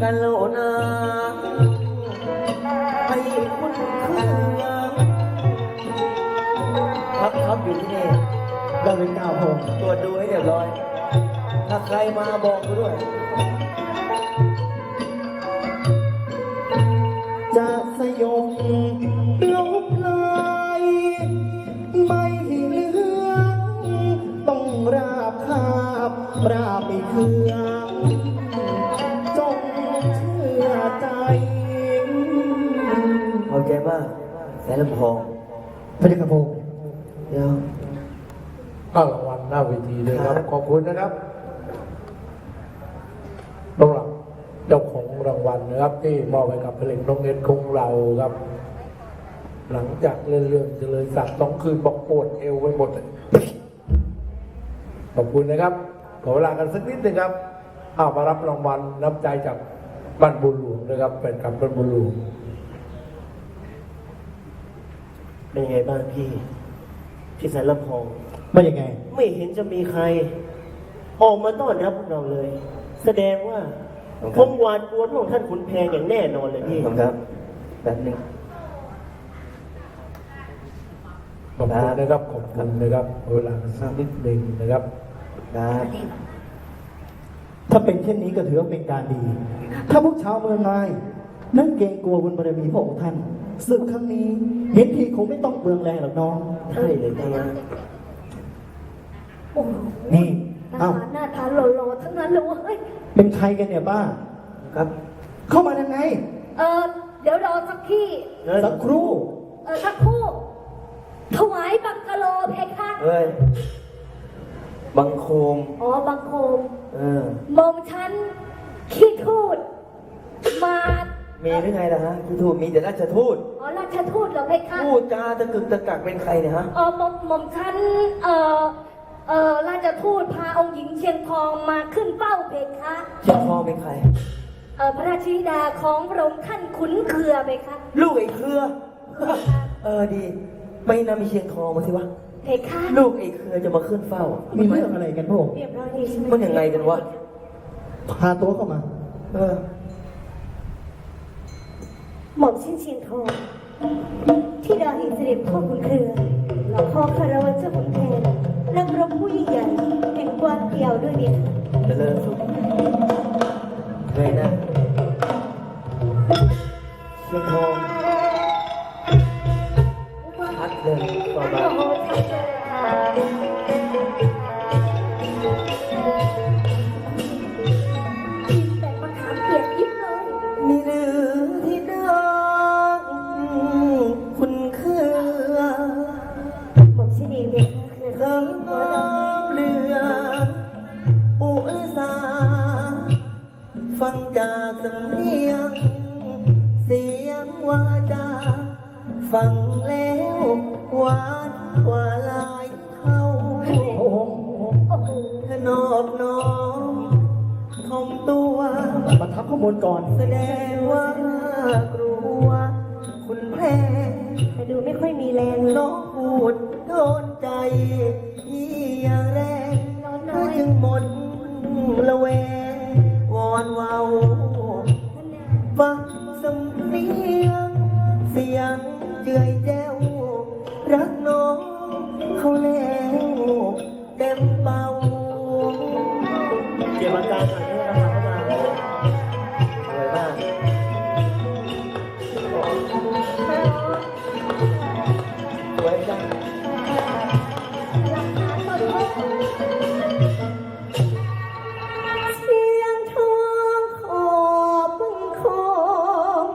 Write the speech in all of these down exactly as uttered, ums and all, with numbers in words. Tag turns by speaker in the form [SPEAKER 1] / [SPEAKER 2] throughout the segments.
[SPEAKER 1] กันโลนาให้คุณเครื่องพักครับอยู่ที่นี่เราเป็นเก้าโมงตรวจดูให้เรียบร้อยถ้าใครมาบอกกูด้วยจะสยบลบลายไม่เหลือต้องราบคาบราบไปเครื่องจงเชื่อใจขอบใจมากแสนลำพองพระเจ้าค่ะพงศ์เดี๋ยว
[SPEAKER 2] ก็รางวัลหน้าเวทีเลยครับขอบคุณนะครับสำหรับเจ้าของรางวัลนะครับที่มอบให้กับเพลงน้องเน็ตของเราครับหลังจากเล่นเรื่องเจริญศักดิ์ต้องคืนบอกปวดเอวไปหมดเลยขอบคุณนะครับขอเวลากันสักนิดนึงครับเอามารับรางวัลน้ำใจจากบ้านบุญหลวงนะครับเป็นกับบ้านบุญหลวง
[SPEAKER 1] เป็นยังไงบ้างพี่พี่แสนลำพอง
[SPEAKER 3] ไม่ยังไง
[SPEAKER 1] ไม่เห็นจะมีใครออกมาต้อนรับพวกเราเลย แสดงว่าคงหวาดกลัวพวกท่านขุนแพงอย่างแน่นอนเลยพี่ครับแบบนึง
[SPEAKER 2] ขอบคุณนะครับขอบคุณนะครับเวลาสักนิดหนึ่งนะครับ
[SPEAKER 3] ถ้าเป็นเช่นนี้ก็ถือว่าเป็นการดี ถ้าพวกชาวเมืองนายนั่นเกรงกลัวบุญบารมีพระองค์ท่านศึกครั้งนี้เห็นทีคงไม่ต้องเปลืองแรงหรอกน้อง
[SPEAKER 1] ใช่เลยนะ
[SPEAKER 3] นี่
[SPEAKER 4] เอ้าหน้าตาหล่อๆทั้งนั้นเลยเว้ย
[SPEAKER 3] เป็นใครกันเนี่ยป้า
[SPEAKER 1] ครับ
[SPEAKER 3] เข้ามายังไง
[SPEAKER 4] เออเดี๋ยวรอสักที่
[SPEAKER 3] สักครู่
[SPEAKER 4] เออสักครู่ถวายบังกะโลเพคะ
[SPEAKER 1] เฮ้ยบังโคม
[SPEAKER 4] อ๋อบังโคม
[SPEAKER 1] เออ
[SPEAKER 4] มองฉันขี้ทูดมา
[SPEAKER 1] มีหรือไงล่ะฮะขี้ทูดมีแต่ราชทูต
[SPEAKER 4] อ๋อราชทูตเหรอเพคะ
[SPEAKER 1] พูดจาตะกึกตะกักเป็นใครเนี่ยฮะ
[SPEAKER 4] อ๋อมอมมอมฉันเออเออราชทูตพาองค์หญิงเชียงทองมาขึ้นเป้าเพคะ
[SPEAKER 1] เชียงทองเป็นใคร
[SPEAKER 4] เออพระราชธิดาของพระองค์ท่านขุนเคือเพคะ
[SPEAKER 1] ลูกไอ้เครือเออดีไม่นำมีเชียงทองมาสิวะ
[SPEAKER 4] เพคะ
[SPEAKER 1] ลูกไอ้เครือจะมาขึ้นเฝ้า
[SPEAKER 3] มีเรื่องอะไรกันพวก
[SPEAKER 4] เรียบร้อยดีใช่ไหม
[SPEAKER 1] มันยังไงกันวะ
[SPEAKER 3] พาตัวเข้ามา
[SPEAKER 1] เออ
[SPEAKER 4] หม่อมชินเชียงทองที่ดาแห่งเสด็จพ่อขุนเคือเราขอคารวะเจ้าขุนแผนนักรบผู้ยิ่งใหญ่แห่งกวางเกี่ยวด้วยเนี่ย
[SPEAKER 1] เจริญสุขเลยนะเชียงทองชัดเลยต่อมา
[SPEAKER 4] โอ้โหชัดเลยแต่มะขามเปียกยิบเลย
[SPEAKER 1] มีหรือที่ดังคุณคือ
[SPEAKER 4] หม่อมชินีเด็ก
[SPEAKER 1] เริ่มเรืออุสาฟังจากสำเนียงเสียงวาจาฟังแล้วหวานกว่าลายเขาถนอบน้อมทอมตัว
[SPEAKER 3] มาทับข้อมูลก่อน
[SPEAKER 1] แสดงว่ากลัวคุณแพ้
[SPEAKER 4] แต่ดูไม่ค่อยมีแรงเลย
[SPEAKER 1] น้องพูดโดนใจที่อย่างแรงถ้าจึงหมดละแวงวอนเว้าฟังสำเนียงเสียงเจือยแจ้วรักน้องเขาแล้วเต็มเบาเกี่ยวกับการหน่อยนะครับเข้ามาสวยมากสวยจัง
[SPEAKER 4] เสียงทองขอบบังคม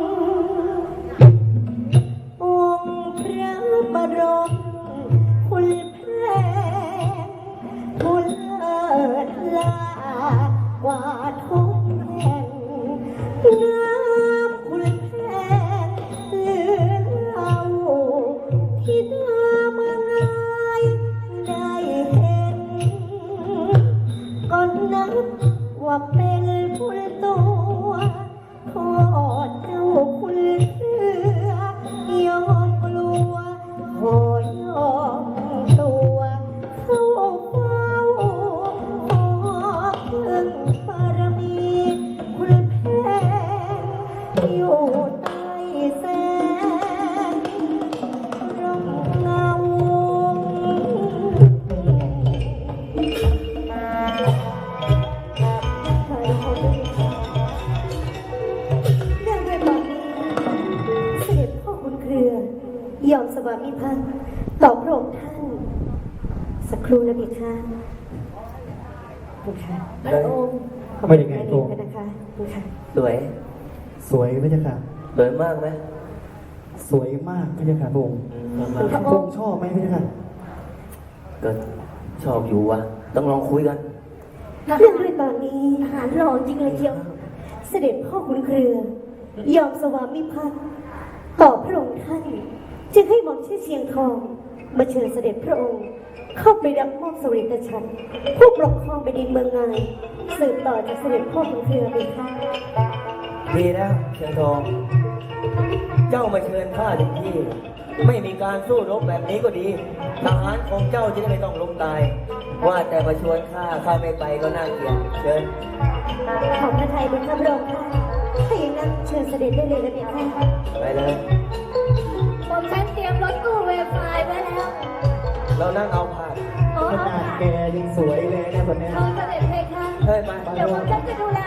[SPEAKER 4] องค์พระบรมคุณแผนผู้เลิศลากว่าทุกแห่งน้ำคุณแผนเลือเราที่ดามาไงได้เห็นก็นับว่าเป็นผู้ตัวขอเจ้าคุณเสือยอมกลัวขอยอมตัวเข้าเฝ้าขอพึ่งบารมีคุณแผามิภักดิ์ต่อพระองค์ท่าน สักครู่นะพี่ค่ะคุณค่ะพระองค์ขอบ
[SPEAKER 3] ไม่
[SPEAKER 4] คุณ
[SPEAKER 3] ได้ไง
[SPEAKER 4] แม่
[SPEAKER 3] พระ
[SPEAKER 4] ดี
[SPEAKER 3] องค์
[SPEAKER 4] กันนะคะคุณค่ะ
[SPEAKER 1] สวย
[SPEAKER 3] สวยพระเจ้าค่ะ
[SPEAKER 1] สวยมากไหม
[SPEAKER 3] สวยมากพระเจ้าค่ะพระองค์
[SPEAKER 1] อืม
[SPEAKER 4] พระ
[SPEAKER 3] พระ
[SPEAKER 4] อ
[SPEAKER 3] อง
[SPEAKER 4] งค์
[SPEAKER 3] ค์ชอบไหมพระเจ้าค่ะ
[SPEAKER 1] ก็ชอบอยู่วะต้องลองคุยกัน
[SPEAKER 4] เรื่องด้วยตอนนี้อาหารร้อนจริงเลยเชียวเสด็จพ่อคุณเครือยอมสวามิภักดิ์ต่อพระองค์ท่านจึงให้หม่อมชื่อเชียงทองมาเชิญเสด็จพระองค์ เข้าไปรับมอบสวริตฉันท์ผู้ปกครองแผ่นดินเมืองงายสืบต่อจากเสด็จพ่อคุณเครือไปค่ะ
[SPEAKER 1] ดีแล้วเชียงทอง เจ้ามาเชิญข้าถึงที่ ไม่มีการสู้รบแบบนี้ก็ดีทหารของเจ้าจะได้ไม่ต้องล้มตาย ว่าแต่มาชวนข้าข้าไม่ไปก็น่าเกลียดเชิญ
[SPEAKER 4] ขอบพระทัยเป็นข้าพระองค์ค่ะถ้าอย่างนั้นเชิญเสด็จได้เลยนะพี่ค่ะ
[SPEAKER 1] ไปเลย
[SPEAKER 5] ผมฉันเตรียมรถตู้เวฟไฟไว้แล้ว
[SPEAKER 1] เรานั่งเอาผ่าน
[SPEAKER 5] ขอ
[SPEAKER 3] ข
[SPEAKER 5] เอา
[SPEAKER 3] นาดแกยังสวยเลยนะคนเนี้ย
[SPEAKER 5] เอาเสด็จเพคะ
[SPEAKER 1] เฮ้ยมา
[SPEAKER 5] เดี๋ยวผมฉันจะดูแล